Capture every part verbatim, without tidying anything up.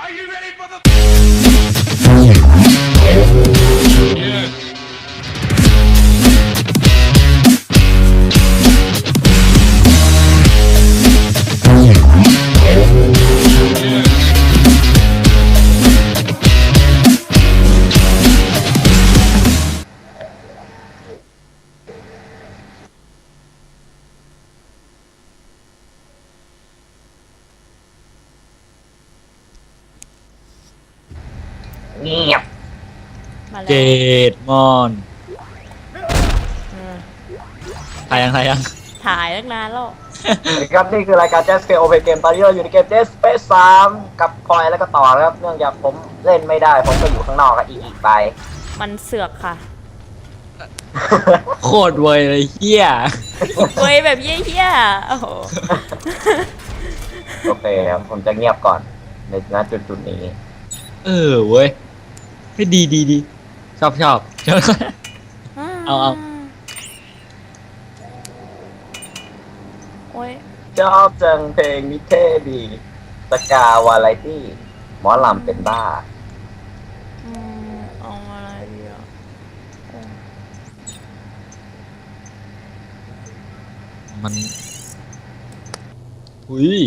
Are you ready for the? Yeah. เงียบมาแล้วเจดมอนเออถ่ายยังถ่ายยังถ่ายตั้งนานแล้วครับนี่คือรายการ Just Play Open Game ตอนนี้เราอยู่ในเกม Dead Space สามกับพลอยแล้วก็ต่อครับเนื่องจากผมเล่นไม่ได้ผมก็อยู่ข้างนอกกับอีกอีกไปมันเสือกค่ะโคตรเวยเลยเฮียเว้ยแบบเยี่ยๆโอ้โหโอเคครับผมจะเงียบก่อนในณจุดจุดๆนี้เออเว้ยให้ดีดีดีชอบชอบชอบ เอาเอาโอ้ยชอบจังเพลงนิเท่ดีสกาวาไรตี้หมอลำเป็นบ้าอืมเอาอะไรดีอ่ะโอ้มันอุ้ย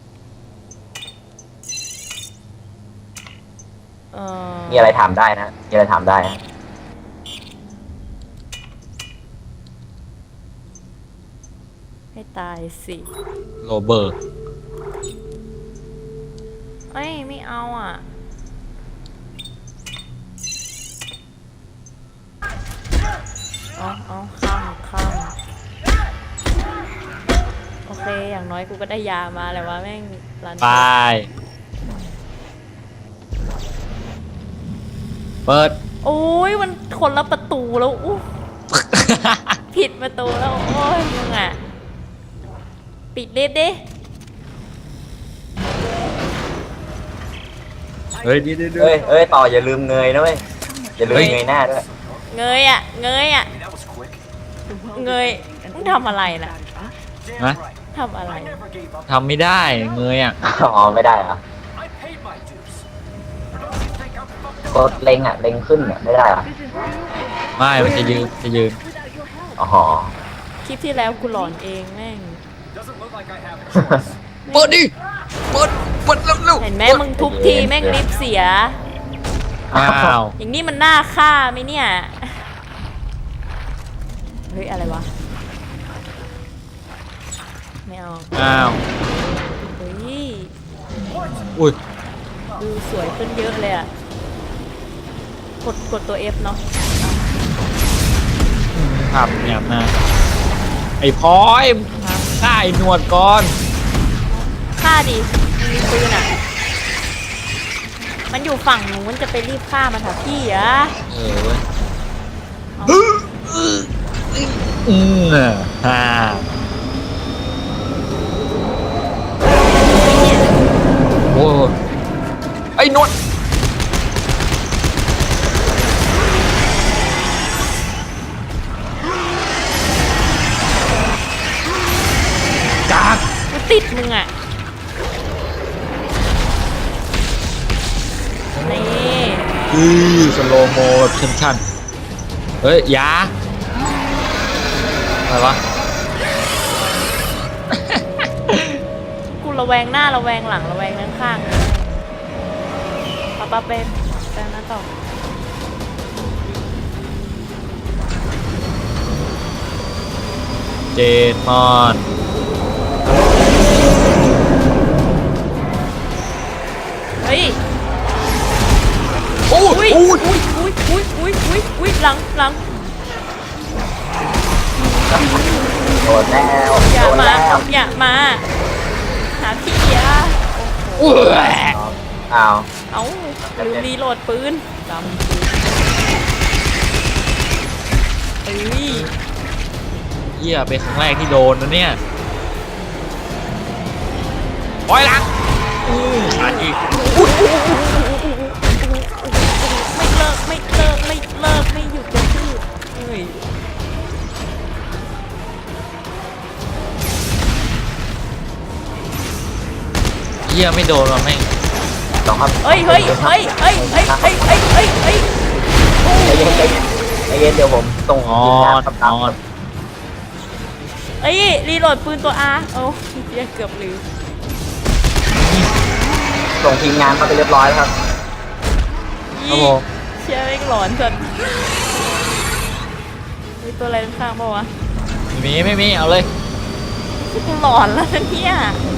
เออมีอะไรถามได้นะมีอะไรถามได้นะให้ตายสิโรเบิร์ตเอ้ยไม่เอาอ่ะเอาเอาข้ามข้ามโอเคอย่างน้อยกูก็ได้ยามาแหละว่าแม่งรันไปเปิดโอ้ยมันคนละประตูแล้วอู้ผิดประตูแล้วโอ้ยมึงอ่ะปิดลิฟต์ดิเฮ้ยดีดีดีเอ้ยเอ้ยต่ออย่าลืมเงยนะเว้ยอย่าลืมเงยหน้าด้วยเงยอ่ะเงยอ่ะเงยมึงทำอะไรน่ะนะทำอะไรทำไม่ได้เงยอ่ะอ๋อไม่ได้เหรอ กดเล็งอ่ะเล็งขึ้นอ่ะไม่ได้เหรอไม่มันจะยืนจะยืนอ๋อคลิปที่แล้วกูหลอนเองแม่งเปิดดิเปิดเปิดเร็วเร็วเห็นไหมมึงทุบทีแม่งลิฟต์เสียอ้าวอย่างนี้มันน่าฆ่าไหมเนี่ย เฮ้ย อะไรวะ ไม่เอาอ้าวเฮ้ยอุ้ยดูสวยขึ้นเยอะเลยอะกดกดตัว F เนาะขับเนี่ยนะไอ้พลอยฆ่าไอ้หนวดก่อนฆ่าดิมันมีปืนอะมันอยู่ฝั่งนู้นจะไปรีบฆ่ามันเถอะพี่อะเออเว้ยเอาอืมอ่ะฮ่าโอ้ยไอ้หนวดกากกูติดมึงอะนี่อือสโลโมแบบชันๆเฮ้ยยาอะไรวะกูระแวงหน้าระแวงหลังระแวงด้านข้างเลยป้าป้าเป๊ปแปลงนั้นต่อเจดมอนเฮ้ยโอ้อุ้ยยโอ้อุ้ยยอุ้ยอุ้ยอุ้ยอุ้ยอุ้ยหลังหลังโดนแล้วอย่าโดนมาแล้วอย่ามา หาพี่อะโอ้ยอ้าวเอ้าลืมรีโหลดปืนจำเอ้ยเหี้ยเป็นครั้งแรกที่โดนนะเนี่ยปล่อยหลังอือขาดอีกไม่เลิกไม่เลิกไม่เลิกไม่หยุดจะพูดเอ้ยเหี้ยไม่โดนว่ะแม่งสองครับเฮ้ยเฮ้ยเฮ้ยเฮ้ยเฮ้ยเฮ้ยเฮ้ยเฮ้ยเฮ้ยใจเย็นใจเย็นใจเย็นเดี๋ยวผมส่งนอทีมงานนครับนอนเฮ้ยรีโหลดปืนตัว R โอ้เหี้ยเกือบลืมส่งทีมงานเข้าไปเรียบร้อยแล้วครับครับผมเชี่ยไม่งหลอนจนมีตัวอะไรข้างๆป่าวะไม่มีไม่มีเอาเลยกูหลอนแล้วนะเนี่ย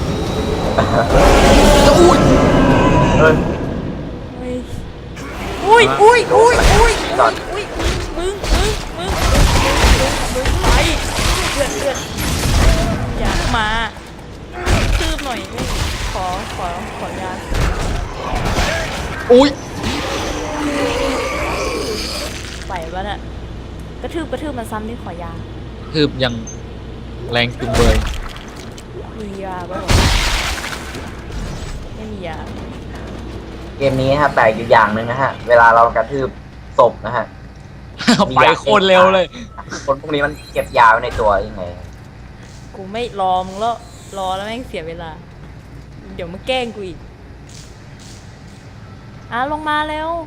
อุ้ยเออเฮ้ยอุ้ยอุ้ยอุ้ยอุ้ยอุ้ยอุ้ยมึงมึงมึงมึงมึงมึงไปเลือดเลือดอยากมาคืบหน่อยไม่ขอขอขอยาอุ้ยไหวปะเนี่ยกระทืบกระทืบมันซ้ำที่ขอยาคือยังแรงจุงเบยมียาปะวะไม่มียาเกมนี้นะครับแปลกอยู่อย่างหนึ่งนะฮะเวลาเรากระทืบศพนะฮะไปโคตรเร็วเลยคนพวกนี้มันเก็บยาไว้ในตัวยังไงกูไม่รอมึงแล้วรอแล้วแม่งเสียเวลา เดี๋ยวมึงแกล้งกูอีกอ่ะลงมาเร็ว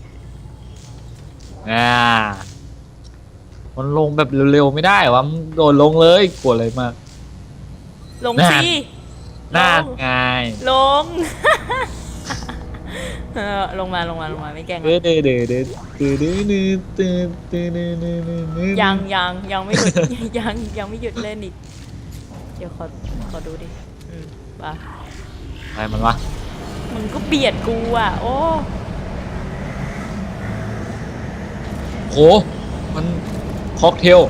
อ่ามันลงแบบเร็วๆไม่ได้วะมันโดดลงเลยกลัวอะไรมากลงน่าสิน่าลงไงลง เออลงมาลงมาลงมาไม่แกล้งเด้นะอเด้อเด้อเด้อเด้อเด้อเด้อเด้อเด้อเด้อเด้อเด้อเด้อยังยังยังไม่หยุด ยังยังไม่หยุดเล่นอีก เดี๋ยวขอขอดูดิอืมไปอะไรมันวะมึงก็เบียดกูอ่ะ โอ้โหมันค็อกเทล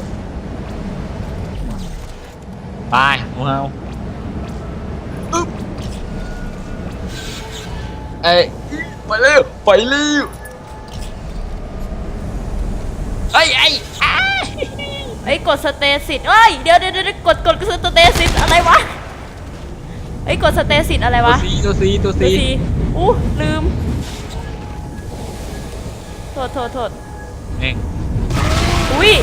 ไปว้าวอึ๊บเอ้ยไปเร็วไปเร็วเอ้ยไอ้อ้าไอ้ยกดสเตสิตเอ้ยเดี๋ยวเดี๋ยวเดี๋ยวกดกดกดสเตสิตอะไรวะไอ้ยกดสเตสิตอะไรตัววะซีตัวซีตัวตัวซีซีอู้ลืมโทษโทษโทษเองอุ้ย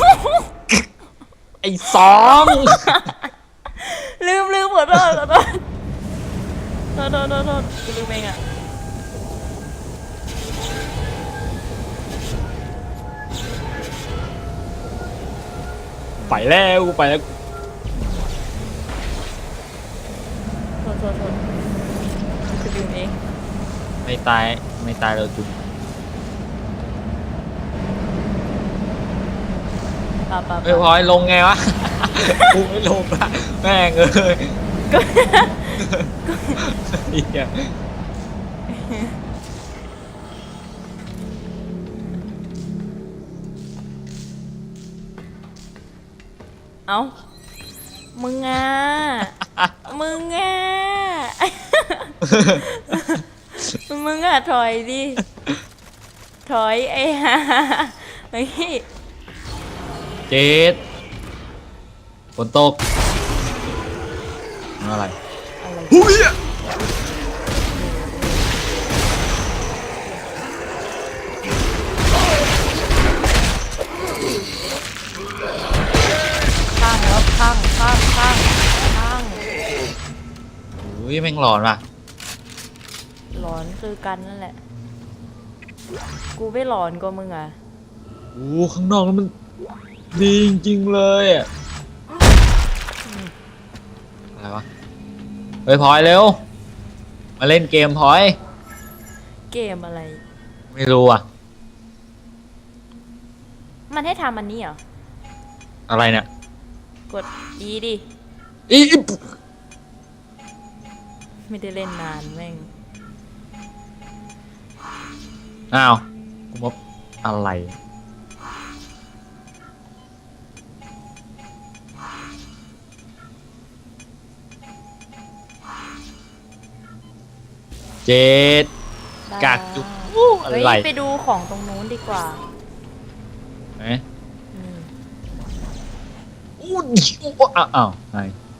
ไอ้สองลืมลืมขอโทษขอโทษโทษโทษโทษโทษกูลืมเองอ่ะไปแล้วกูไปแล้วโทษโทษโทษกูลืมเองไม่ตายไม่ตายเราจุดป่าป่าเฮ้ยพลอยลงไงวะ กูไม่ลงละแม่งเอ้ยเหี้ยเอ้ามึงอ่ะมึงอ่ะ มึงอ่ะถอยดิ ถอยไอ้ห่าเฮ้ยเจ็ดฝนตกอะไรอะไรหุ้ยข้างแล้วข้างข้างข้างข้างอุ้ยแม่งหลอนว่ะหลอนคือกันนั่นแหละ กูไม่หลอนกว่ามึงอ่ะโอ้ข้างนอกมันดีจริงๆเลยอะอะไรวะเฮ้ยพลอยเร็วมาเล่นเกมพลอยเกมอะไรไม่รู้อ่ะมันให้ทำอันนี้เหรออะไรเนี่ยกด E ดิอีอีไม่ได้เล่นนานแม่งอ้าวกูมาอะไรเจ็ดได้กากจุกอู้อะเฮ้ยไรไปดูของตรงนู้นดีกว่าเอ๊ะอืมอู้อู้อ้าวอ้าวไง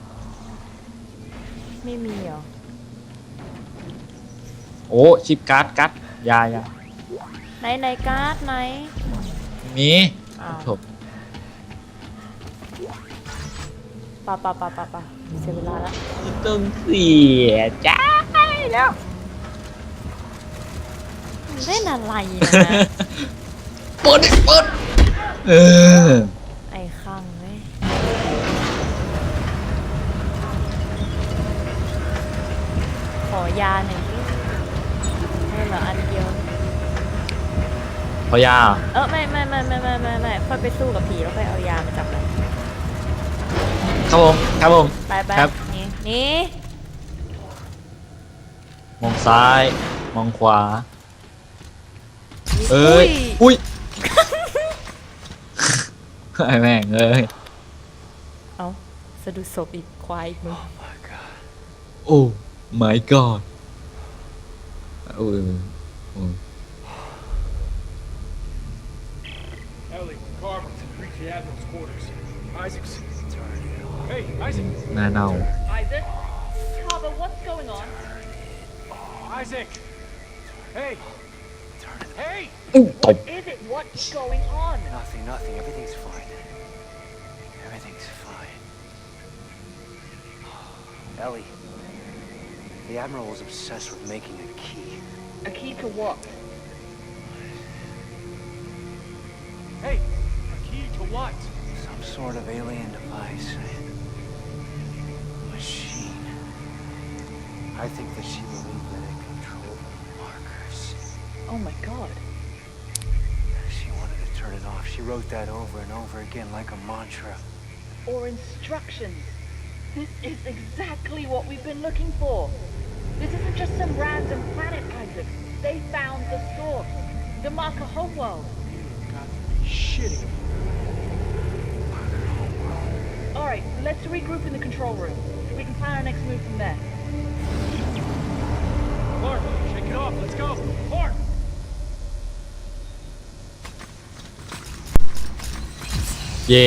ไม่มีเหรอโอ้ชิปการ์ดการ์ดยายาไหนไหนการ์ดไหนมีอ้าวจบปะปะปะปะปะเสียเวลาละต้องเสียใจแล้วเล่นอะไรนะเปิดเปิดเออไอ้ข้างเว้ยขอยาหน่อยสิเออเหรออันเดียวพอยาเออไม่ไม่ไม่ไม่ไม่ไม่ไม่ค่อยไปสู้กับผีแล้วค่อยเอายามาจับมันครับผมครับผมไปไปครับนี่นี่มองซ้าย มองขวา เอ้ย อุ้ย ไอ้แม่งเอ้ยเอาสะดุดศพอีกควายอีกมึงโอ้ my god โอ้ยโอ้ย Ellie, Carver, reach the Admiral's quarters. Isaac's. Hey, Isaac. หน้าเน่า Isaac? Carver, what's going on? Isaac. Hey. Hey. อื้อตบ Is it what's going on? Nothing, nothing. Everything's fine. Everything's fine. Ellie, the Admiral was obsessed with making a key. A key to what? Hey. A key to what? Some sort of alien device. Machine. I think that she believed that it controlled the markers. Oh my god. She wanted to turn it off. She wrote that over and over again like a mantra. Or instructions. This is exactly what we've been looking for. This isn't just some random planet, Isaac. They found the source. The marker homeworld. Shitting. Alright, let's regroup in the control room. We can plan our next move from there. Clark, shake it off. Let's go. Clark. เย่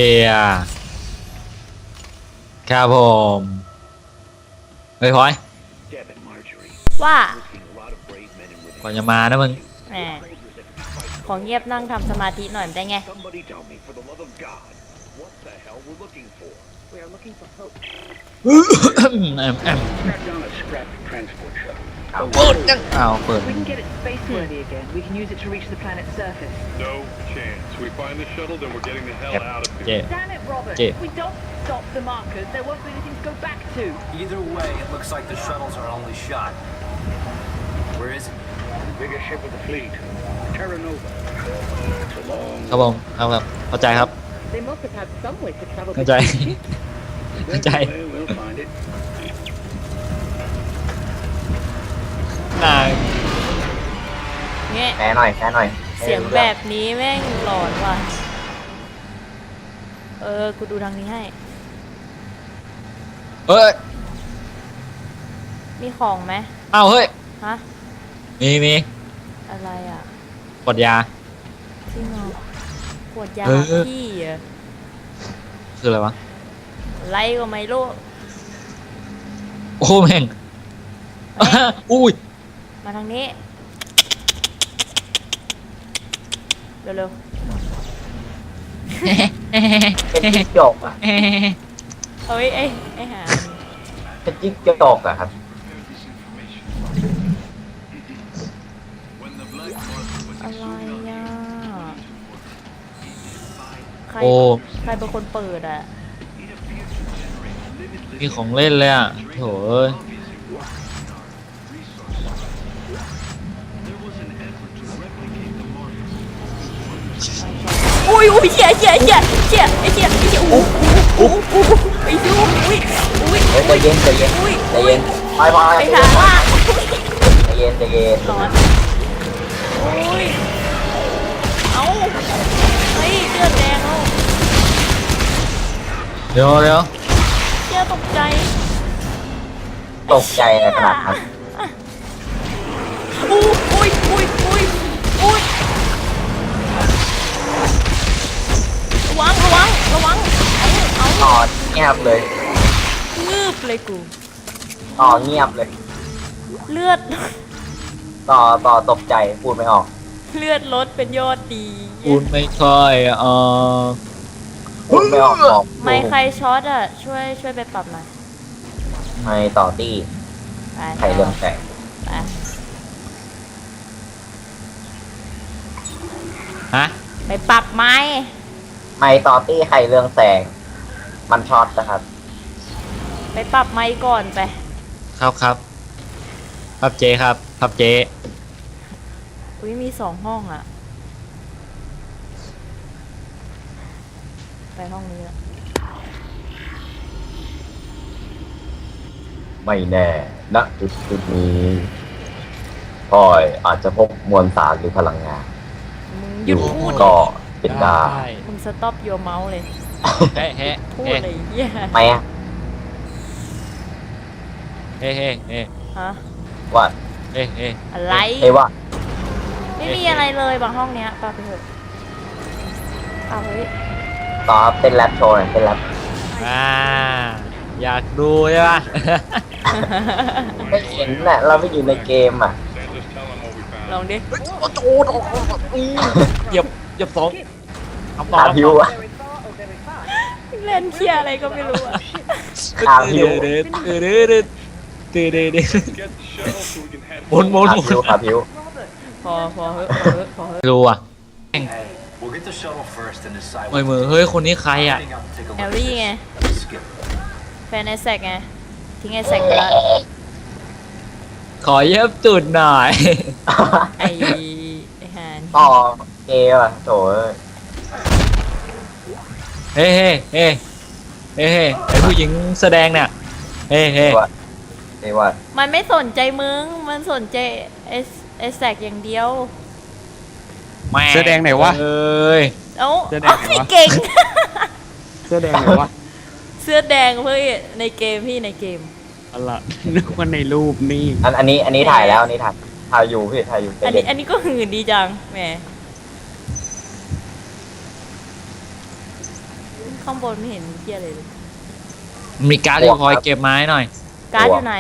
ครับผมเฮ้ยพลอย Devin, Marjorie, ว่า seen a lot of brave men and women. ก่อนจะมานะมึงแหมของเงียบนั่งทำสมาธิหน่อยได้ไง Somebody tell me, for the love of God, what the hell we're looking for? We are looking for hope. แอมแอม Track down a scrap transport shuttle. เปิดยังอ้าวเปิด If we can get it space-worthy again, we can use it to reach the planet's surface. No chance. We find the shuttle, then we're getting the hell Yep. out of เย่ here. Damn it, Robert! Yeah. If we don't stop the markers, there won't be anything to go back to. Either way, it looks like the shuttle's our only shot. Where is it? The biggest ship of the fleet, Terra Nova. It's a long ครับผมครับครับเข้าใจครับ They must have had some way to travel เข้าใจ เข้าใจ way. We'll find it. นายเนี่ยแชร์หน่อยแชร์หน่อยเสียงแบบนี้แม่งหลอนว่ะ เออ กูดูทางนี้ให้เอ้ยมีของไหมอ้าวเฮ้ยฮะมีมีอะไรอ่ะกดยาจริงเหรอขวดยาเออพี่เหรอคืออะไรวะไรก็ไม่รู้โอ้แม่ง อุ้ยมาทางนี้ เร็วเป็นจิ๊กจกอ่ะๆเฮ้ยไอ้ไอ้หาเป็นจิ๊กจกอ่ะครับอะไรอ่ะ ใครโอ้ใครเป็นคนเปิดอ่ะมีของเล่นเลยอ่ะโถเอ้ยอุ้ยอุ้ยเชี่ยเชี่ยเชี่ยเชี่ยไอ้เชี่ยไอ้เชี่ยอู้อู้อู้อู้ไอ้เชี่ยอุ้ยอุ้ยเฮ้ยใจเย็นใจเย็นอุ้ยใจอุ้เย็ยนไปไปไปหาว่าใจเย็นใจเย็นร้อนอุ้ยเอ้าเฮ้ยเลือดแดงแล้วเดี๋ยวเดี๋ยวเชี่ยตกใจตกใจอะไรขนาดนั้นอู้อุ้ยอุ้ยอุ้ยอุ้ยระวังระวังระวังเอาเอาต่อเงียบเลยงืบเลยกูต่อเงียบเลยเลือดต่อต่อตกใจพูดไม่ออกเลือดลดเป็นยอดดีพูดไม่ค่อยเออพูดไม่ออกบอกไม่ใครช็อตอ่ะ ช่วยช่วยไปปรับหน่อยไม่ต่อตี้ไปใครเรื่องแตกไปฮะไปปรับไม้ไม่ต่อตี้ไข่เรืองแสง มันช็อตนะครับไปปรับไม้ก่อนไปครับครับครับเจครับครับเจอุ้ยมีสองห้องอะไปห้องนี้ละไม่แน่ณจุดจุดนี้พลอยอาจจะพบมวลสารหรือพลังงานมึงหอยุดยู่พูดก็เป็นได้มึงสต็อปโยเมาส์เลยเฮ้เฮ้พูดเฮ้เลยเหี้ยไหมอะเฮ้เฮ้เฮ้ฮะว่าเฮ้เฮ้อะไรเฮ้ยว่าไม่มีอะไรเลยบางห้องเนี้ยปาไปเถอะเอาเฮ้ยต่อครับเป็นแรปโชว์หน่อยเป็นแรปอ่าอยากดูใช่ปะไม่เห็นน่ะเราไม่อยู่ในเกมอ่ะ Then just tell them what we found. ลองดิเหยียบเหยียบสองทำต่อขาพิวอะ Very far or very fast? เล่นเคลียร์อะไรก็ไม่รู้อะขาพิวเดือดเดือดเดือดเดือดเดือดเดือด Get the shuttle so we can head หมุนหมุนขาหมุพิวน ขาพิวพอพอเฮ้ยพอเฮ้ยพอเฮ้ยรู้อ่ะ Hey, we'll get the shuttle first and decide เฮ้ยมือเฮ้ยคนนี้ใครอ่ะ Heading up to take a แอ look ลลี่ไง at this. Skip. แฟนไอแซกไง ทิ้งไอแซกไปละขอเย็บจุดหน่อยไอไอฮานต่อเกมอ่ะโถเอ้ยเฮ้เฮ้เฮ้เฮ้เฮ้ไอผู้หญิงแสดงเนี่ยเฮ้เฮ้ว่าเอ้ยว่ามันไม่สนใจมึง มันสนใจไอไอแซกอย่างเดียวแม่เสื้อแดงไหนวะเอ้ยเอ้าเสื้อแดงเอ้าเหรอวะเก่งเสื้อแดงไหนวะเสื้อแดงเพื่อในเกมพี่ในเกมอะไรนึกว่าในรูปนี่อันอันนี้อันนี้ถ่ายแล้วอันนี้ถ่ายถ่ายอยู่พี่ถ่ายอยู่อันเด็นี้กอันนี้ก็หื่นดีจังแหมข้างบนไม่เห็นเที่ยอะไรเลยมีการ์ดที่คอยเก็บไม้หน่อยการ์ดอยู่ไหน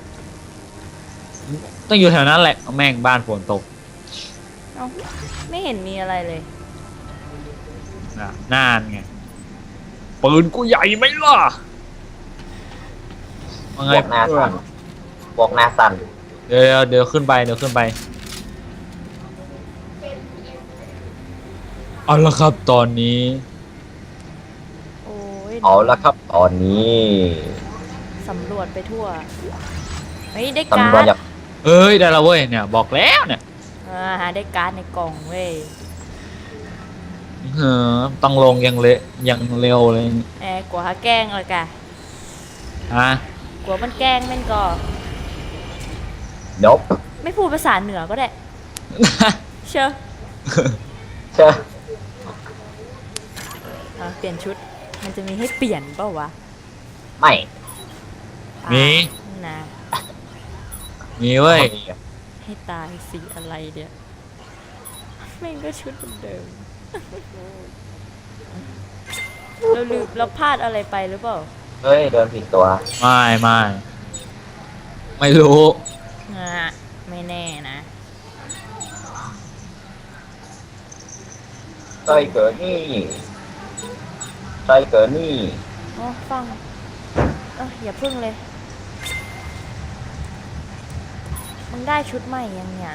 ต้องอยู่แถวนั้นแหละแม่งบ้านฝนตกเอ้าไม่เห็นมีอะไรเลยน่ะน่านไงปืนกูใหญ่ไหมล่ะว่าบไงวกหน้าสั่นบวกหน้าสั่นเดี๋ยวเดี๋ยวขึ้นไปเดี๋ยวขึ้นไปเอาละครับตอนนี้โอ้ยเอาละครับตอนนี้สำรวจไปทั่วเฮ้ยได้ตำการรวจ์ดอยากเอ้ยได้และเว้ยเนี่ยบอกแล้วเนี่ยอ่าหาได้การ์ดในกล่องเว้ยเออต้องลงยังเละยังเร็วเลยแอบกลัวหาแกล้งเลยกะฮะกลัวมันแกล้งแม่นก็นบไม่พูดภาษาเหนือก็ได้ เชื่อเชื่ออ่ะเปลี่ยนชุด มันจะมีให้เปลี่ยนเปล่าวะไม่อ่ะมีนะมีเว้ยให้ตายสีอะไรเดียวแม่งก็ชุดเดิม เราลืมเราพลาดอะไรไปหรือเปล่าเฮ้ยเดินผิดตัวไม่ไม่ไม่รู้อ่ะไม่แน่นะใช่เกิดนี่ใช่เกิดนี่อ๋อฟังเอออย่าพึ่งเลย มึงได้ชุดใหม่ยังเนี่ย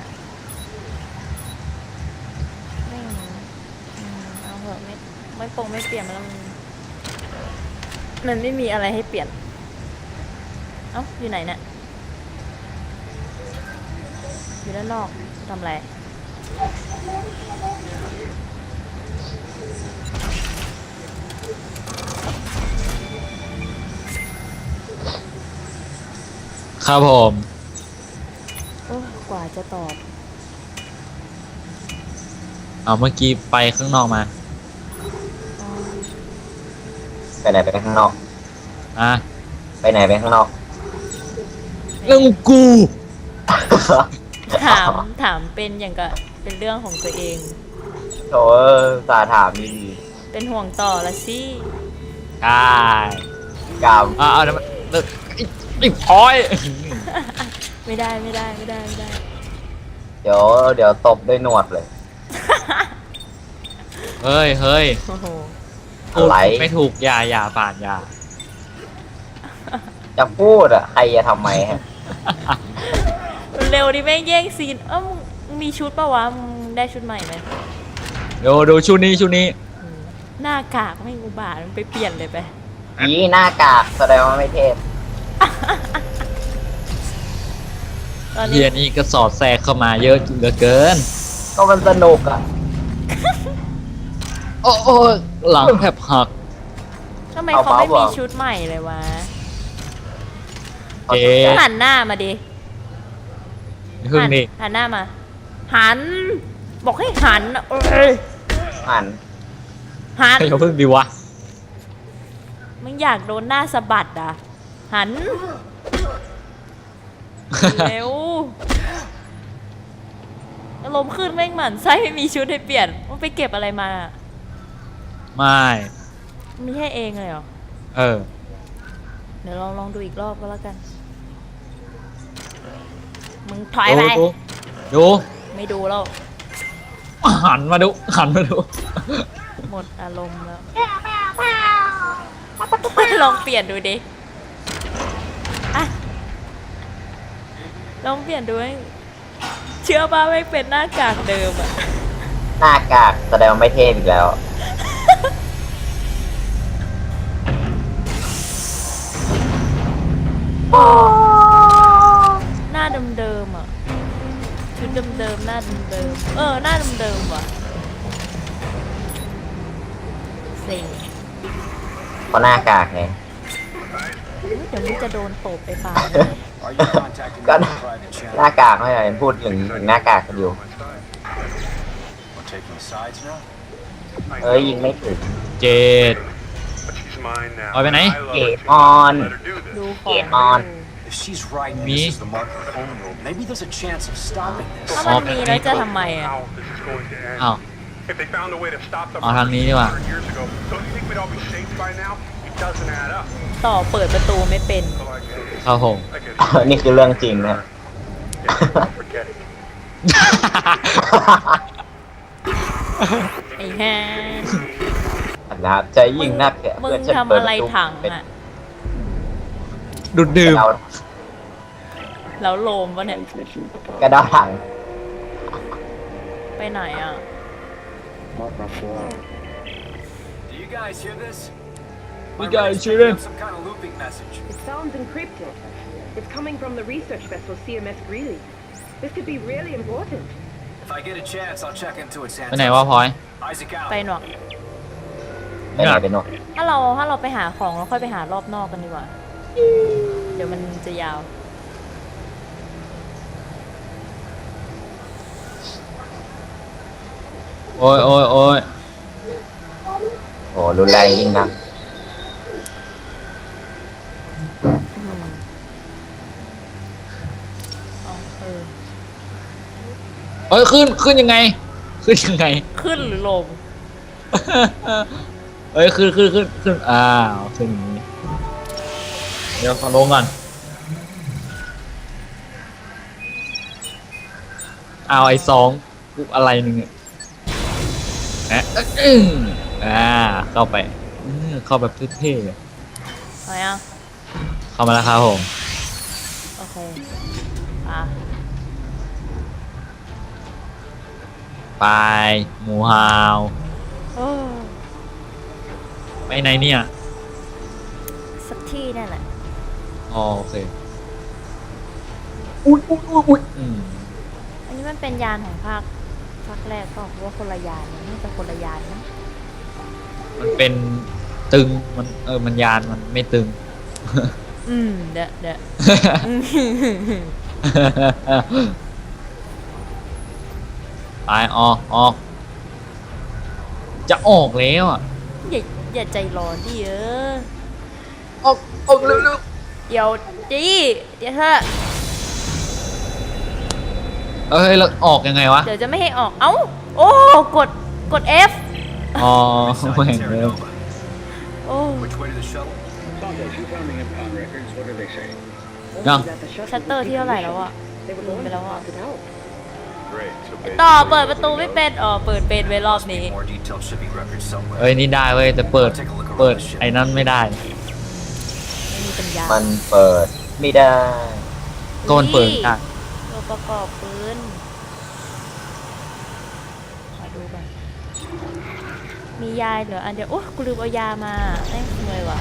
ไม่อืมเอาเหอะไม่ไม่ปรงไม่เปลี่ยนมันแล้วมันมันไม่มีอะไรให้เปลี่ยน เอ้าอยู่ไหนเนี่ยอยู่ด้านนอกทำอะไรครับผมโอ้กว่าจะตอบเอาเมื่อกี้ไปข้างนอกมาอ๋อไปไหนไปข้างนอกอ่ะไปไหนไปข้างนอกเรื่องกูถาม ถามเป็นอย่างกับเป็นเรื่องของตัวเองโถสาถามดีเป็นห่วงต่อละสิใช่ๆกามอ่าเอาเดี๋ยวมันเลิกไอ้ไอ้พลอยไม่ได้ไม่ได้ไม่ได้ไม่ได้เดี๋ยวเดี๋ยวตบด้วยหนวดเลยเฮ้ยเฮ้ยโอ้โหอะไรพูดไม่ถูกอย่าอย่าป่านอย่าจะพูดอ่ะ ใครจะทำไมฮะเร็วดิแม่งแย่งซีน เอ้ามึงมึงมีชุดปะวะ มึงได้ชุดใหม่ไหมดูดูชุดนี้ชุดนี้อืมหน้ากากไม่อุบาทมันไปเปลี่ยนเลยไปยีหน้ากากแสดงว่าไม่เทพตอนนี้เฮียนี่ก็สอดแทรกเข้ามาเยอะเหลือเกินก็มันสนุกอ่ะโอ้โอ้หลังแทบหักทำไมเอาเขาไม่เปล่ามีชุดใหม่เลยวะเจ๊หันหน้ามาดิพึ่งนี่หันหน้ามา หัน บอกให้หันเอ้ยหันหันให้เขาพึ่งดีวะมึงอยากโดนหน้าสะบัดอ่ะ หัน เร็วอารมณ์ขึ้นแม่งหมันไส้ไม่มีชุดให้เปลี่ยนมันไปเก็บอะไรมาไม่มีให้เองเลยเหรอเออเดี๋ยวลองลองดูอีกรอบก็แล้วกัน มึงถอยดูไปดูดูไม่ดูแล้วหันมาดูหันมาดูหมดอารมณ์แล้ว ลองเปลี่ยนดูดิอะลองเปลี่ยนดูให้เชื่อป่ะไม่เป็นหน้ากากเดิมอะหน้ากากแสดงว่าไม่เทพอีกแล้วหน้าเดิมๆอะชุดเดิมๆหน้าเดิมๆเออหน้าเดิมๆว่ะเซ็งเพราะหน้ากากไงเดี๋ยวนี้จะโดนตบไปป่า Are you contacting ก็ me on private หน้า channel? กากไม่ใช่พูดถึงถึงหน้ากากกันอยู่ We're taking sides now? เอ้ยยิงไม่ถึงเจ็ด But she's mine now. Oi, Benny. I love her Get too. on. Let her do this. ดูขเกองมออน If she's right and Me? this is the mark of home world, maybe there's a chance of stopping ถ้า this. มันมีแล้วจะทำไมอะ How this is going to end. อ้าว If they found a way to stop the เอาทางนี้ดีกว่า one hundred years ago, don't you think we'd all be safe by now? It doesn't add up. ต่อเปิดประตูไม่เป็น So I guess, ครับผม I guess นี่คือเรื่องจริงนะ yeah, forget it. ไอ้แฮนนะครับจะยิ่งนักเนี่ยมึงเพื่อฉันทำเปิดอะไรประตูถังเป็นอะดูดดื่มกระเดาแล้วโลมวะเนี่ยกระเดาถังไปไหนอ่ะ Do you guys hear this? We My got radar's it, shoot picking it. up some kind of looping message. It sounds encrypted. It's coming from the research vessel C M S Greeley. This could be really important. If I get a chance, I'll check into it, ไปไหน Santos. วะพลอย Isaac ไป out. หนวกไปไหนไปโน่นถ้าเราถ้าเราไปหาของเราค่อยไปหารอบนอกกันดีกว่า เดี๋ยวมันจะยาวโอ้ยโอ้ยโอ้ยโอ้รุนแรงยิ่งนักอืมเอาเออเอ้ยขึ้นขึ้นยังไง ขึ้นยังไงขึ้นหรือลงเอ้ยขึ้นขึ้นขึ้นขึ้นอ้าวขึ้นอย่างนี้เดี๋ยวขอลงก่อนเอาไอ้สองกูอะไรหนึ่งอะแอะอึ้งอ่าเข้าไปอื้อเข้าแบบเท่ๆเลยเอายังเข้ามาแล้วครับผมโอเค อ่ะไปหมูฮาวโอ้ไปไหนเนี่ยสักที่นั่นแหละอ๋อโอเคอุ้ยอุ้ยอุ้ยอุ้ยอืมอันนี้มันเป็นยานของภาคภาคแรกก็ว่าคนละยานนี่จะคนละยานนะมันเป็นตึงมันเออมันยานมันไม่ตึงอืม เดะเดะไปออกออก จะออกแล้วอ่ะอย่าอย่าใจร้อนดิเออออกออกเร็วเดี๋ยวดิเดี๋ยวเถอะๆเอ้ยแล้วออกยังไงวะเดี๋ยวจะไม่ให้ออก เอ้า โอ้ กด กด F อ๋อ Which side แม่ง to เลย Terranova? โอ้ Which way to the shuttle? Santos, you found the impound records. What do they say? No. That the shuttle ชัตเตอร์ที่เท่าไหร่แล้วอะ They were ลืม going ไป to แล้วอะ pop it out. Great. So basically, ต่อเปิดประตูไม่เป็น อ๋อ เปิดเป็นไว้รอบ Must นี้ be more detailed shipping records somewhere. เอ้ยนี่ได้เว้ยแต่เปิด เปิดไอ้นั้นไม่ได้ไม่มีปัญญามันเปิดไม่ได้ก็มันเปิดได้ตัวประกอบปืนขอดูก่อนมียายเหลืออันเดียวโอ้กูลืมเอายามาแม่งขโมยว่ะ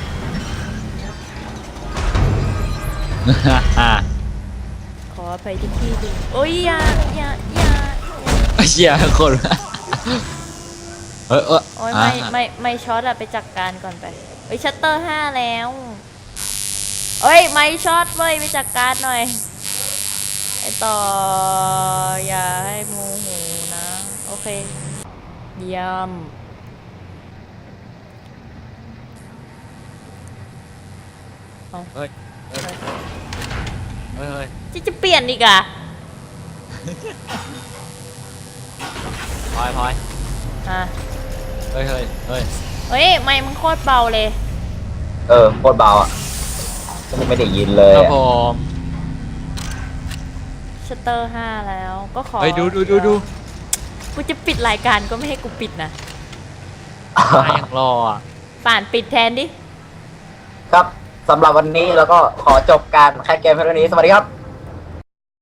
ขออภัยที่พี่ดูโอ้ยยายายาเชียร์คนเออเออโอ้ยไม่ไม่ไม่ช็อตอะไปจัดการก่อนไปเอ้ยชัตเตอร์ห้าแล้วเอ้ยไม่ช็อตเว้ยไปจัดการหน่อยไอต่ออย่าให้โมโหนะโอเคเยี่ยมเอาเฮ้ยเฮ้ยเฮ้ยเฮ้ยจะจะเปลี่ยนอีกอะพลอยพลอยอ่ะเฮ้ยเฮ้ยเฮ้ยเฮ้ยไม่มึงโคตรเบาเลยเออโคตรเบาอ่ะฉันไม่ได้ยินเลยครับอะผมชัตเตอร์ห้าแล้วก็ขอเฮ้ยดูดูดูดูกูจะปิดรายการก็ไม่ให้กูปิดนะมายังรออ่ะป่านปิดแทนดิครับสำหรับวันนี้เราก็ขอจบการแคสเกมเพียงเท่านี้สวัสดีครับ